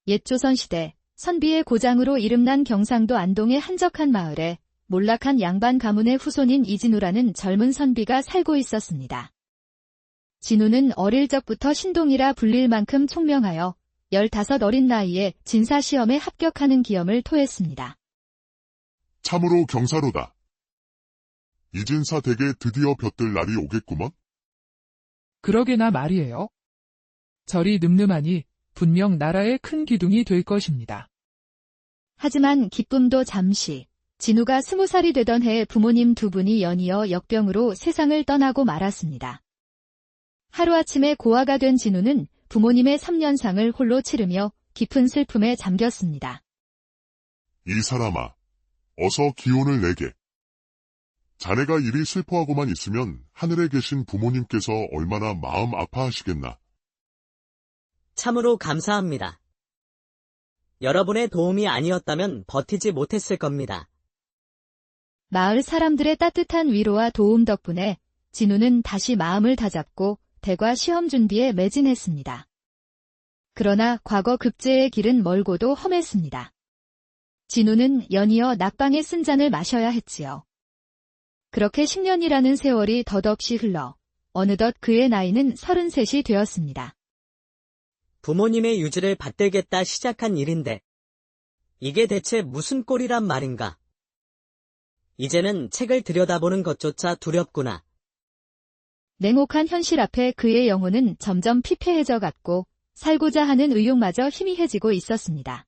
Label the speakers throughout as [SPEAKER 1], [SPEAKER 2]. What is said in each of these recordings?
[SPEAKER 1] 옛 조선시대 선비의 고장으로 이름난 경상도 안동의 한적한 마을에 몰락한 양반 가문의 후손인 이진우라는 젊은 선비가 살고 있었습니다. 진우는 어릴 적부터 신동이라 불릴 만큼 총명하여 15 어린 나이에 진사시험에 합격하는 기염을 토했습니다.
[SPEAKER 2] 참으로 경사로다. 이진사 댁에 드디어 볕들 날이 오겠구먼.
[SPEAKER 3] 그러게나 말이에요. 절이 늠름하니 분명 나라의 큰 기둥이 될 것입니다.
[SPEAKER 1] 하지만 기쁨도 잠시. 진우가 20살이 되던 해에 부모님 두 분이 연이어 역병으로 세상을 떠나고 말았습니다. 하루아침에 고아가 된 진우는 부모님의 3년상을 홀로 치르며 깊은 슬픔에 잠겼습니다.
[SPEAKER 2] 이 사람아, 어서 기운을 내게. 자네가 이리 슬퍼하고만 있으면 하늘에 계신 부모님께서 얼마나 마음 아파하시겠나.
[SPEAKER 4] 참으로 감사합니다. 여러분의 도움이 아니었다면 버티지 못했을 겁니다.
[SPEAKER 1] 마을 사람들의 따뜻한 위로와 도움 덕분에 진우는 다시 마음을 다잡고 대과 시험 준비에 매진했습니다. 그러나 과거 급제의 길은 멀고도 험했습니다. 진우는 연이어 낙방에 쓴 잔을 마셔야 했지요. 그렇게 10년이라는 세월이 덧없이 흘러 어느덧 그의 나이는 33이 되었습니다.
[SPEAKER 4] 부모님의 유지를 받들겠다 시작한 일인데 이게 대체 무슨 꼴이란 말인가? 이제는 책을 들여다보는 것조차 두렵구나.
[SPEAKER 1] 냉혹한 현실 앞에 그의 영혼은 점점 피폐해져 갔고 살고자 하는 의욕마저 희미해지고 있었습니다.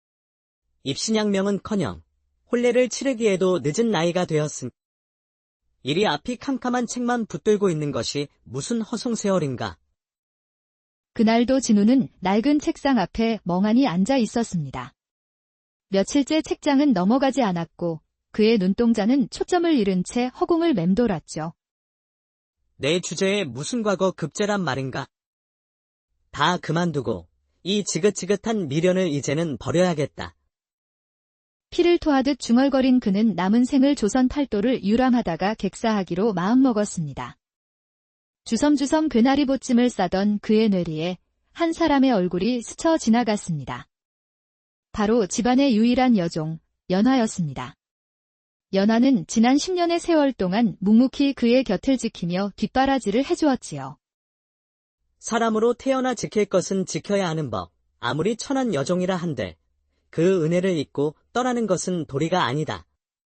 [SPEAKER 4] 입신양명은커녕 혼례를 치르기에도 늦은 나이가 되었음. 이리 앞이 캄캄한 책만 붙들고 있는 것이 무슨 허송세월인가.
[SPEAKER 1] 그날도 진우는 낡은 책상 앞에 멍하니 앉아 있었습니다. 며칠째 책장은 넘어가지 않았고 그의 눈동자는 초점을 잃은 채 허공을 맴돌았죠.
[SPEAKER 4] 내 주제에 무슨 과거 급제란 말인가? 다 그만두고 이 지긋지긋한 미련을 이제는 버려야겠다.
[SPEAKER 1] 피를 토하듯 중얼거린 그는 남은 생을 조선 팔도를 유람하다가 객사하기로 마음먹었습니다. 주섬주섬 괴나리 보찜을 싸던 그의 뇌리에 한 사람의 얼굴이 스쳐 지나갔습니다. 바로 집안의 유일한 여종, 연화였습니다. 연화는 지난 10년의 세월 동안 묵묵히 그의 곁을 지키며 뒷바라지를 해주었지요.
[SPEAKER 4] 사람으로 태어나 지킬 것은 지켜야 하는 법, 아무리 천한 여종이라 한들 그 은혜를 잊고 떠나는 것은 도리가 아니다.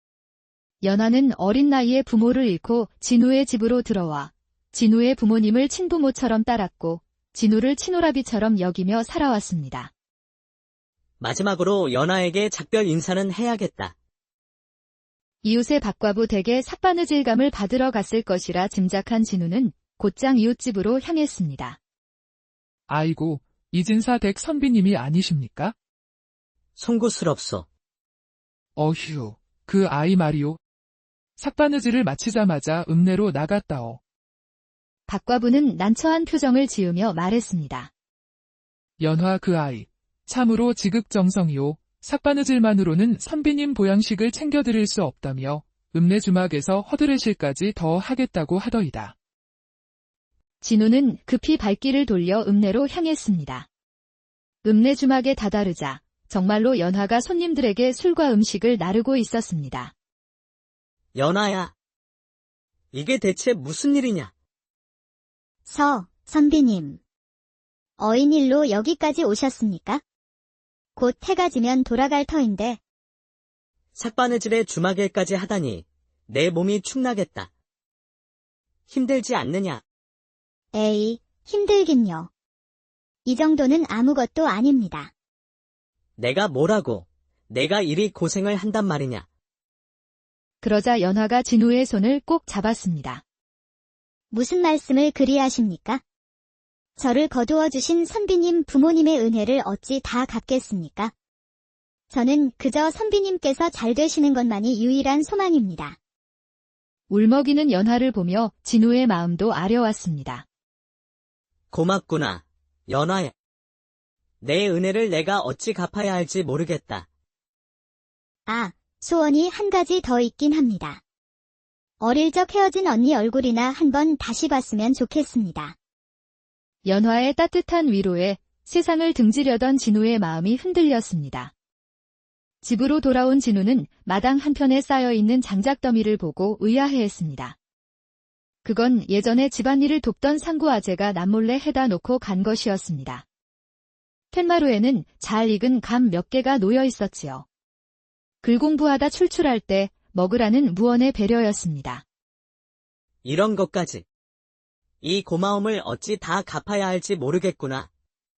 [SPEAKER 1] 연화는 어린 나이에 부모를 잃고 진우의 집으로 들어와 진우의 부모님을 친부모처럼 따랐고 진우를 친오라비처럼 여기며 살아왔습니다.
[SPEAKER 4] 마지막으로 연화에게 작별 인사는 해야겠다.
[SPEAKER 1] 이웃의 박과부 댁에 삿바느질감을 받으러 갔을 것이라 짐작한 진우는 곧장 이웃집으로 향했습니다.
[SPEAKER 3] 아이고, 이진사 댁 선비님이 아니십니까?
[SPEAKER 4] 송구스럽소.
[SPEAKER 3] 어휴, 그 아이 말이오. 삭바느질을 마치자마자 읍내로 나갔다오.
[SPEAKER 1] 박과부는 난처한 표정을 지으며 말했습니다.
[SPEAKER 3] 연화 그 아이, 참으로 지극정성이오. 삭바느질만으로는 선비님 보양식을 챙겨드릴 수 없다며 읍내 주막에서 허드레실까지 더 하겠다고 하더이다.
[SPEAKER 1] 진우는 급히 발길을 돌려 읍내로 향했습니다. 읍내 주막에 다다르자 정말로 연화가 손님들에게 술과 음식을 나르고 있었습니다.
[SPEAKER 4] 연화야, 이게 대체 무슨 일이냐?
[SPEAKER 5] 선비님. 어인일로 여기까지 오셨습니까? 곧 해가 지면 돌아갈 터인데.
[SPEAKER 4] 삭바느질에 주막일까지 하다니 내 몸이 축나겠다. 힘들지 않느냐?
[SPEAKER 5] 에이, 힘들긴요. 이 정도는 아무것도 아닙니다.
[SPEAKER 4] 내가 뭐라고, 내가 이리 고생을 한단 말이냐?
[SPEAKER 1] 그러자 연화가 진우의 손을 꼭 잡았습니다.
[SPEAKER 5] 무슨 말씀을 그리 하십니까? 저를 거두어 주신 선비님 부모님의 은혜를 어찌 다 갚겠습니까? 저는 그저 선비님께서 잘 되시는 것만이 유일한 소망입니다.
[SPEAKER 1] 울먹이는 연화를 보며 진우의 마음도 아려왔습니다.
[SPEAKER 4] 고맙구나, 연화야. 내 은혜를 내가 어찌 갚아야 할지 모르겠다.
[SPEAKER 5] 아, 소원이 한 가지 더 있긴 합니다. 어릴 적 헤어진 언니 얼굴이나 한번 다시 봤으면 좋겠습니다.
[SPEAKER 1] 연화의 따뜻한 위로에 세상을 등지려던 진우의 마음이 흔들렸습니다. 집으로 돌아온 진우는 마당 한편에 쌓여있는 장작더미를 보고 의아해했습니다. 그건 예전에 집안일을 돕던 상구 아재가 남몰래 해다 놓고 간 것이었습니다. 팻마루에는 잘 익은 감 몇 개가 놓여 있었지요. 글 공부하다 출출할 때 먹으라는 무언의 배려였습니다.
[SPEAKER 4] 이런 것까지. 이 고마움을 어찌 다 갚아야 할지 모르겠구나.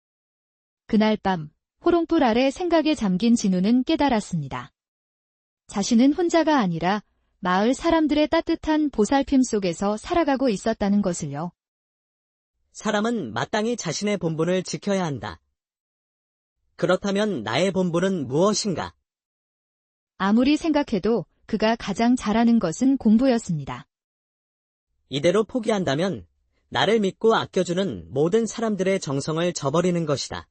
[SPEAKER 1] 그날 밤 호롱불 아래 생각에 잠긴 진우는 깨달았습니다. 자신은 혼자가 아니라 마을 사람들의 따뜻한 보살핌 속에서 살아가고 있었다는 것을요.
[SPEAKER 4] 사람은 마땅히 자신의 본분을 지켜야 한다. 그렇다면 나의 본분은 무엇인가?
[SPEAKER 1] 아무리 생각해도 그가 가장 잘하는 것은 공부였습니다.
[SPEAKER 4] 이대로 포기한다면 나를 믿고 아껴주는 모든 사람들의 정성을 저버리는 것이다.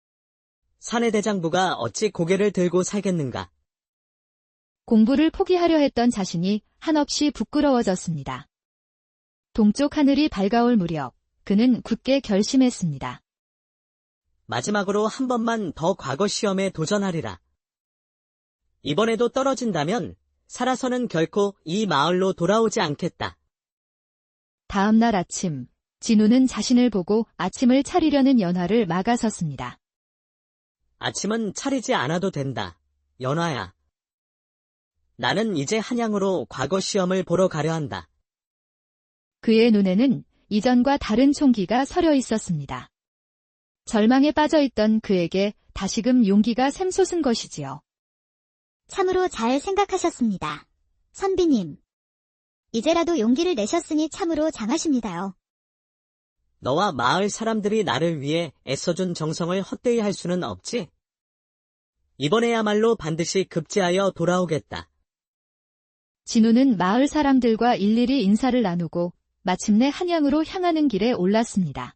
[SPEAKER 4] 사내 대장부가 어찌 고개를 들고 살겠는가?
[SPEAKER 1] 공부를 포기하려 했던 자신이 한없이 부끄러워졌습니다. 동쪽 하늘이 밝아올 무렵 그는 굳게 결심했습니다.
[SPEAKER 4] 마지막으로 한 번만 더 과거 시험에 도전하리라. 이번에도 떨어진다면 살아서는 결코 이 마을로 돌아오지 않겠다.
[SPEAKER 1] 다음 날 아침, 진우는 자신을 보고 아침을 차리려는 연화를 막아섰습니다.
[SPEAKER 4] 아침은 차리지 않아도 된다. 연화야. 나는 이제 한양으로 과거 시험을 보러 가려 한다.
[SPEAKER 1] 그의 눈에는 이전과 다른 총기가 서려 있었습니다. 절망에 빠져있던 그에게 다시금 용기가 샘솟은 것이지요.
[SPEAKER 5] 참으로 잘 생각하셨습니다. 선비님. 이제라도 용기를 내셨으니 참으로 장하십니다요.
[SPEAKER 4] 너와 마을 사람들이 나를 위해 애써준 정성을 헛되이 할 수는 없지? 이번에야말로 반드시 급제하여 돌아오겠다.
[SPEAKER 1] 진우는 마을 사람들과 일일이 인사를 나누고 마침내 한양으로 향하는 길에 올랐습니다.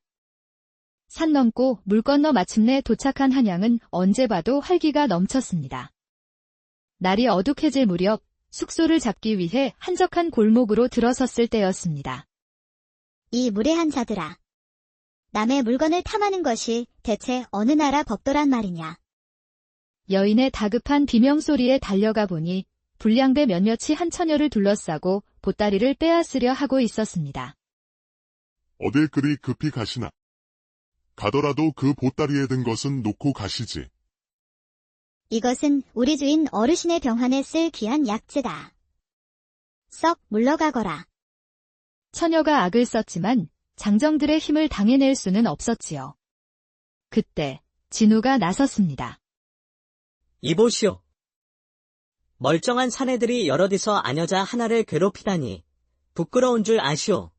[SPEAKER 1] 산 넘고 물 건너 마침내 도착한 한양은 언제 봐도 활기가 넘쳤습니다. 날이 어둑해질 무렵 숙소를 잡기 위해 한적한 골목으로 들어섰을 때였습니다.
[SPEAKER 5] 이 무례한 자들아. 남의 물건을 탐하는 것이 대체 어느 나라 법도란 말이냐.
[SPEAKER 1] 여인의 다급한 비명소리에 달려가 보니 불량배 몇몇이 한 처녀를 둘러싸고 보따리를 빼앗으려 하고 있었습니다.
[SPEAKER 2] 어딜 그리 급히 가시나? 가더라도 그 보따리에 든 것은 놓고 가시지.
[SPEAKER 5] 이것은 우리 주인 어르신의 병환에 쓸 귀한 약재다. 썩 물러가거라.
[SPEAKER 1] 처녀가 악을 썼지만 장정들의 힘을 당해낼 수는 없었지요. 그때 진우가 나섰습니다.
[SPEAKER 4] 이보시오. 멀쩡한 사내들이 여럿이서 아녀자 하나를 괴롭히다니 부끄러운 줄 아시오.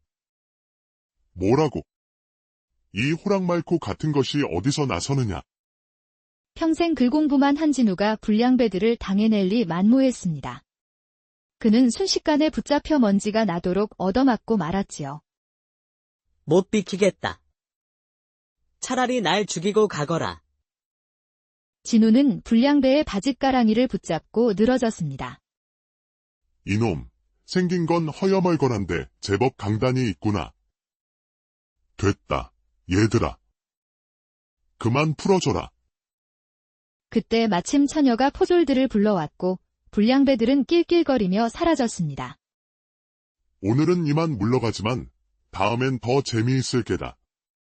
[SPEAKER 2] 뭐라고? 이 호랑말코 같은 것이 어디서 나서느냐?
[SPEAKER 1] 평생 글 공부만 한 진우가 불량배들을 당해낼 리 만무했습니다. 그는 순식간에 붙잡혀 먼지가 나도록 얻어맞고 말았지요.
[SPEAKER 4] 못 비키겠다. 차라리 날 죽이고 가거라.
[SPEAKER 1] 진우는 불량배의 바짓가랑이를 붙잡고 늘어졌습니다.
[SPEAKER 2] 이놈, 생긴 건 허여멀건한데 제법 강단이 있구나. 됐다, 얘들아. 그만 풀어줘라.
[SPEAKER 1] 그때 마침 처녀가 포졸들을 불러왔고 불량배들은 낄낄거리며 사라졌습니다.
[SPEAKER 2] 오늘은 이만 물러가지만 다음엔 더 재미있을 게다.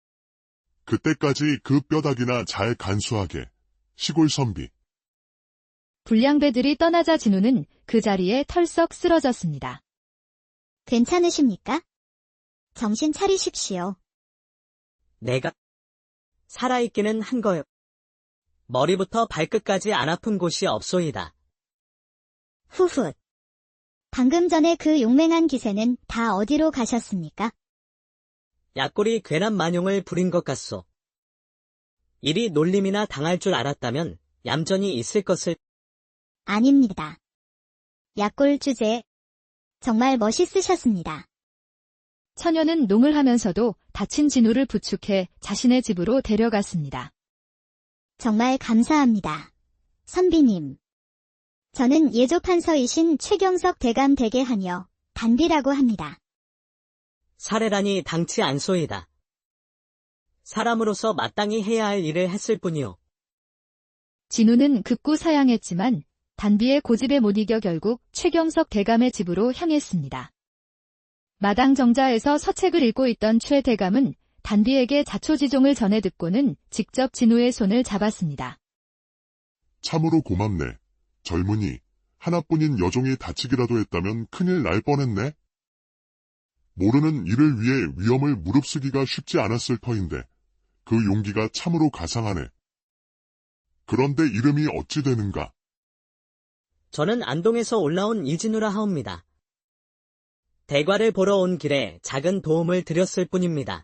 [SPEAKER 2] 그때까지 그 뼈다귀나 잘 간수하게. 시골 선비.
[SPEAKER 1] 불량배들이 떠나자 진우는 그 자리에 털썩 쓰러졌습니다.
[SPEAKER 5] 괜찮으십니까? 정신 차리십시오.
[SPEAKER 4] 내가 살아있기는 한 거요. 머리부터 발끝까지 안 아픈 곳이 없소이다.
[SPEAKER 5] 후훗. 방금 전에 그 용맹한 기세는 다 어디로 가셨습니까?
[SPEAKER 4] 약골이 괜한 만용을 부린 것 같소. 이리 놀림이나 당할 줄 알았다면 얌전히 있을 것을.
[SPEAKER 5] 아닙니다. 약골 주제. 정말 멋있으셨습니다.
[SPEAKER 1] 처녀는 농을 하면서도 다친 진우를 부축해 자신의 집으로 데려갔습니다.
[SPEAKER 5] 정말 감사합니다. 선비님. 저는 예조판서이신 최경석 대감 댁의 하녀, 단비라고 합니다.
[SPEAKER 4] 사례라니 당치 않소이다. 사람으로서 마땅히 해야 할 일을 했을 뿐이요.
[SPEAKER 1] 진우는 급구 사양했지만 단비의 고집에 못 이겨 결국 최경석 대감의 집으로 향했습니다. 마당 정자에서 서책을 읽고 있던 최 대감은 단비에게 자초지종을 전해 듣고는 직접 진우의 손을 잡았습니다.
[SPEAKER 2] 참으로 고맙네. 젊은이, 하나뿐인 여종이 다치기라도 했다면 큰일 날 뻔했네. 모르는 일을 위해 위험을 무릅쓰기가 쉽지 않았을 터인데 그 용기가 참으로 가상하네. 그런데 이름이 어찌 되는가?
[SPEAKER 4] 저는 안동에서 올라온 이진우라 하옵니다. 대과를 보러 온 길에 작은 도움을 드렸을 뿐입니다.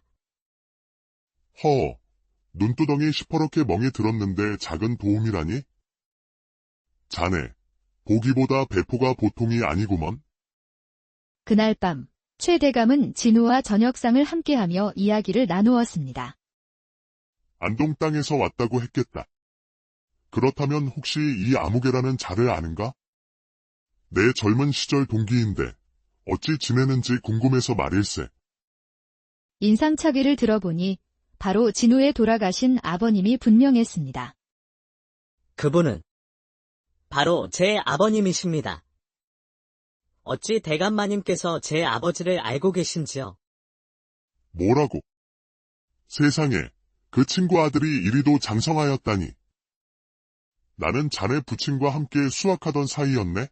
[SPEAKER 2] 허, 눈두덩이 시퍼렇게 멍이 들었는데 작은 도움이라니? 자네, 보기보다 배포가 보통이 아니구먼.
[SPEAKER 1] 그날 밤 최 대감은 진우와 저녁상을 함께하며 이야기를 나누었습니다.
[SPEAKER 2] 안동 땅에서 왔다고 했겠다. 그렇다면 혹시 이 아무개라는 자를 아는가? 내 젊은 시절 동기인데 어찌 지내는지 궁금해서 말일세.
[SPEAKER 1] 인상착의를 들어보니 바로 진우의 돌아가신 아버님이 분명했습니다.
[SPEAKER 4] 그분은 바로 제 아버님이십니다. 어찌 대감마님께서 제 아버지를 알고 계신지요?
[SPEAKER 2] 뭐라고? 세상에, 그 친구 아들이 이리도 장성하였다니. 나는 자네 부친과 함께 수학하던 사이였네?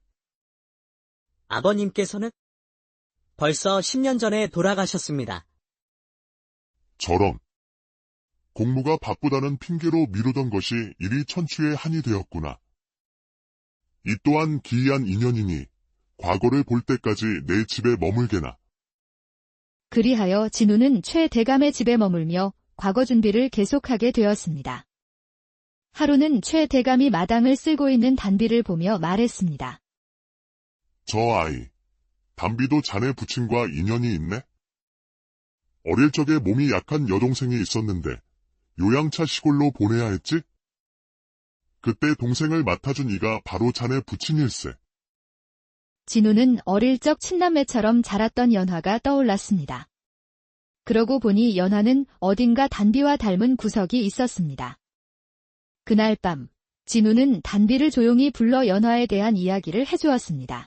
[SPEAKER 4] 아버님께서는 벌써 10년 전에 돌아가셨습니다.
[SPEAKER 2] 저런. 공무가 바쁘다는 핑계로 미루던 것이 일이 천추의 한이 되었구나. 이 또한 기이한 인연이니 과거를 볼 때까지 내 집에 머물게나.
[SPEAKER 1] 그리하여 진우는 최 대감의 집에 머물며 과거 준비를 계속하게 되었습니다. 하루는 최 대감이 마당을 쓸고 있는 단비를 보며 말했습니다.
[SPEAKER 2] 저 아이, 단비도 자네 부친과 인연이 있네? 어릴 적에 몸이 약한 여동생이 있었는데 요양차 시골로 보내야 했지? 그때 동생을 맡아준 이가 바로 자네 부친일세.
[SPEAKER 1] 진우는 어릴 적 친남매처럼 자랐던 연화가 떠올랐습니다. 그러고 보니 연화는 어딘가 단비와 닮은 구석이 있었습니다. 그날 밤, 진우는 단비를 조용히 불러 연화에 대한 이야기를 해주었습니다.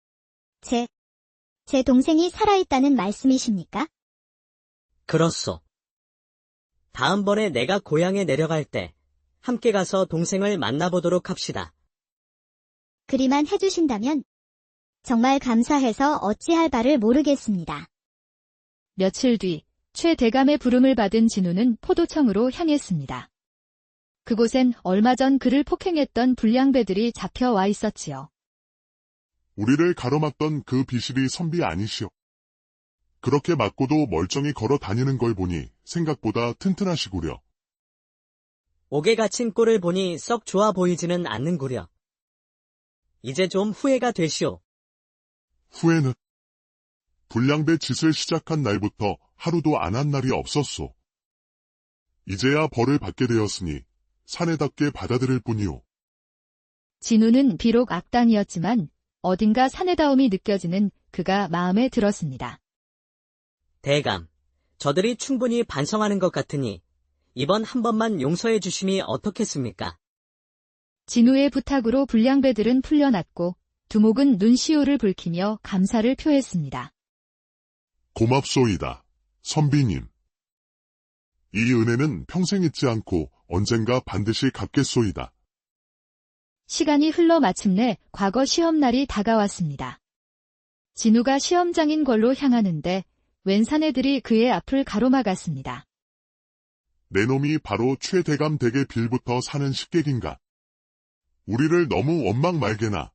[SPEAKER 5] 제 동생이 살아있다는 말씀이십니까?
[SPEAKER 4] 그렇소. 다음번에 내가 고향에 내려갈 때 함께 가서 동생을 만나보도록 합시다.
[SPEAKER 5] 그리만 해주신다면 정말 감사해서 어찌할 바를 모르겠습니다.
[SPEAKER 1] 며칠 뒤, 최 대감의 부름을 받은 진우는 포도청으로 향했습니다. 그곳엔 얼마 전 그를 폭행했던 불량배들이 잡혀와 있었지요.
[SPEAKER 2] 우리를 가로막던 그 비실이 선비 아니시오. 그렇게 맞고도 멀쩡히 걸어 다니는 걸 보니 생각보다 튼튼하시구려.
[SPEAKER 4] 옥에 갇힌 꼴을 보니 썩 좋아 보이지는 않는구려. 이제 좀 후회가 되시오.
[SPEAKER 2] 후에는 불량배 짓을 시작한 날부터 하루도 안 한 날이 없었소. 이제야 벌을 받게 되었으니 사내답게 받아들일 뿐이오.
[SPEAKER 1] 진우는 비록 악당이었지만 어딘가 사내다움이 느껴지는 그가 마음에 들었습니다.
[SPEAKER 4] 대감, 저들이 충분히 반성하는 것 같으니 이번 한 번만 용서해 주심이 어떻겠습니까?
[SPEAKER 1] 진우의 부탁으로 불량배들은 풀려났고 두목은 눈시울을 붉히며 감사를 표했습니다.
[SPEAKER 2] 고맙소이다, 선비님. 이 은혜는 평생 잊지 않고 언젠가 반드시 갚겠소이다.
[SPEAKER 1] 시간이 흘러 마침내 과거 시험날이 다가왔습니다. 진우가 시험장인 걸로 향하는데 웬 사내들이 그의 앞을 가로막았습니다.
[SPEAKER 2] 내 놈이 바로 최대감 댁의 빌부터 사는 식객인가. 우리를 너무 원망 말게나.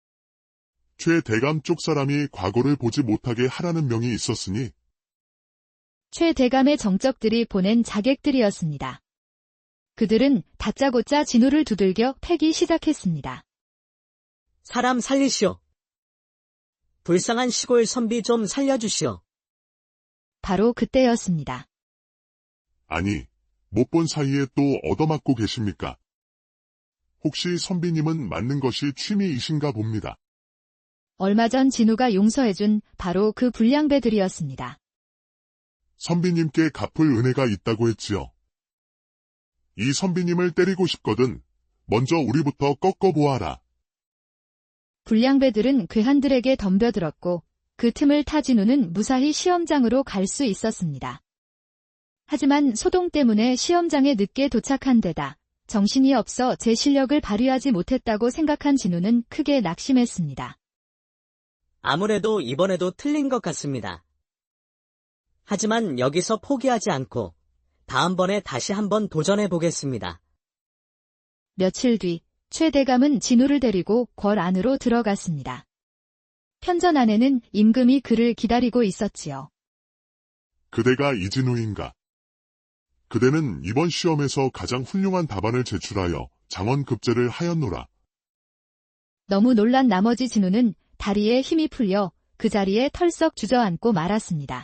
[SPEAKER 2] 최대감 쪽 사람이 과거를 보지 못하게 하라는 명이 있었으니
[SPEAKER 1] 최 대감의 정적들이 보낸 자객들이었습니다. 그들은 다짜고짜 진우를 두들겨 패기 시작했습니다.
[SPEAKER 4] 사람 살리시오. 불쌍한 시골 선비 좀 살려주시오.
[SPEAKER 1] 바로 그때였습니다.
[SPEAKER 2] 아니, 못 본 사이에 또 얻어맞고 계십니까? 혹시 선비님은 맞는 것이 취미이신가 봅니다.
[SPEAKER 1] 얼마 전 진우가 용서해준 바로 그 불량배들이었습니다.
[SPEAKER 2] 선비님께 갚을 은혜가 있다고 했지요. 이 선비님을 때리고 싶거든 먼저 우리부터 꺾어보아라.
[SPEAKER 1] 불량배들은 괴한들에게 덤벼들었고 그 틈을 타 진우는 무사히 시험장으로 갈 수 있었습니다. 하지만 소동 때문에 시험장에 늦게 도착한 데다 정신이 없어 제 실력을 발휘하지 못했다고 생각한 진우는 크게 낙심했습니다.
[SPEAKER 4] 아무래도 이번에도 틀린 것 같습니다. 하지만 여기서 포기하지 않고 다음번에 다시 한번 도전해 보겠습니다.
[SPEAKER 1] 며칠 뒤 최 대감은 진우를 데리고 궐 안으로 들어갔습니다. 편전 안에는 임금이 그를 기다리고 있었지요.
[SPEAKER 2] 그대가 이진우인가? 그대는 이번 시험에서 가장 훌륭한 답안을 제출하여 장원급제를 하였노라.
[SPEAKER 1] 너무 놀란 나머지 진우는 다리에 힘이 풀려 그 자리에 털썩 주저앉고 말았습니다.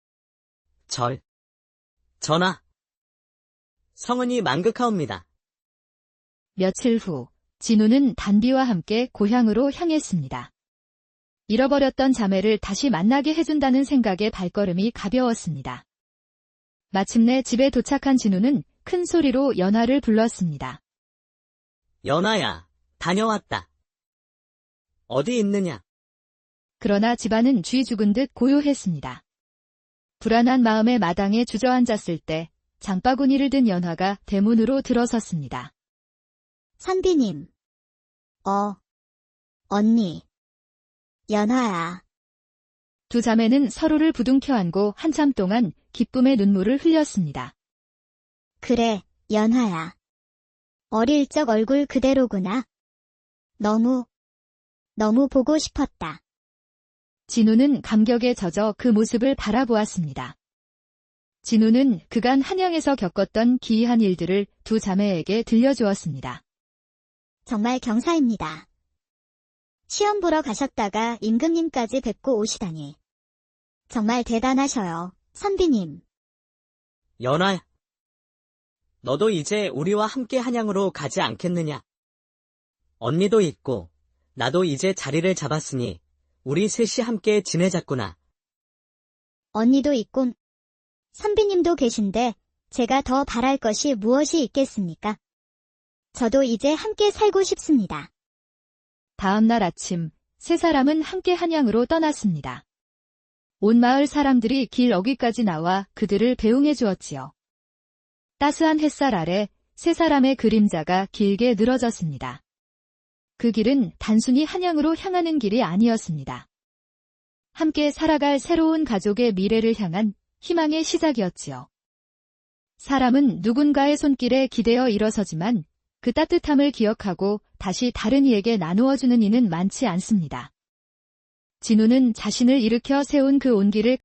[SPEAKER 4] 전하. 성은이 망극하옵니다.
[SPEAKER 1] 며칠 후 진우는 단비와 함께 고향으로 향했습니다. 잃어버렸던 자매를 다시 만나게 해준다는 생각에 발걸음이 가벼웠습니다. 마침내 집에 도착한 진우는 큰 소리로 연하를 불렀습니다.
[SPEAKER 4] 연하야, 다녀왔다. 어디 있느냐?
[SPEAKER 1] 그러나 집안은 쥐 죽은 듯 고요했습니다. 불안한 마음에 마당에 주저앉았을 때 장바구니를 든 연화가 대문으로 들어섰습니다.
[SPEAKER 5] 선비님. 언니. 연화야.
[SPEAKER 1] 두 자매는 서로를 부둥켜 안고 한참 동안 기쁨의 눈물을 흘렸습니다.
[SPEAKER 5] 그래, 연화야. 어릴 적 얼굴 그대로구나. 너무 보고 싶었다.
[SPEAKER 1] 진우는 감격에 젖어 그 모습을 바라보았습니다. 진우는 그간 한양에서 겪었던 기이한 일들을 두 자매에게 들려주었습니다.
[SPEAKER 5] 정말 경사입니다. 시험 보러 가셨다가 임금님까지 뵙고 오시다니. 정말 대단하셔요, 선비님.
[SPEAKER 4] 연하야. 너도 이제 우리와 함께 한양으로 가지 않겠느냐? 언니도 있고 나도 이제 자리를 잡았으니 우리 셋이 함께 지내자꾸나.
[SPEAKER 5] 언니도 있군. 선비님도 계신데 제가 더 바랄 것이 무엇이 있겠습니까? 저도 이제 함께 살고 싶습니다.
[SPEAKER 1] 다음 날 아침 세 사람은 함께 한양으로 떠났습니다. 온 마을 사람들이 길 어귀까지 나와 그들을 배웅해 주었지요. 따스한 햇살 아래 세 사람의 그림자가 길게 늘어졌습니다. 그 길은 단순히 한양으로 향하는 길이 아니었습니다. 함께 살아갈 새로운 가족의 미래를 향한 희망의 시작이었지요. 사람은 누군가의 손길에 기대어 일어서지만 그 따뜻함을 기억하고 다시 다른 이에게 나누어주는 이는 많지 않습니다. 진우는 자신을 일으켜 세운 그 온기를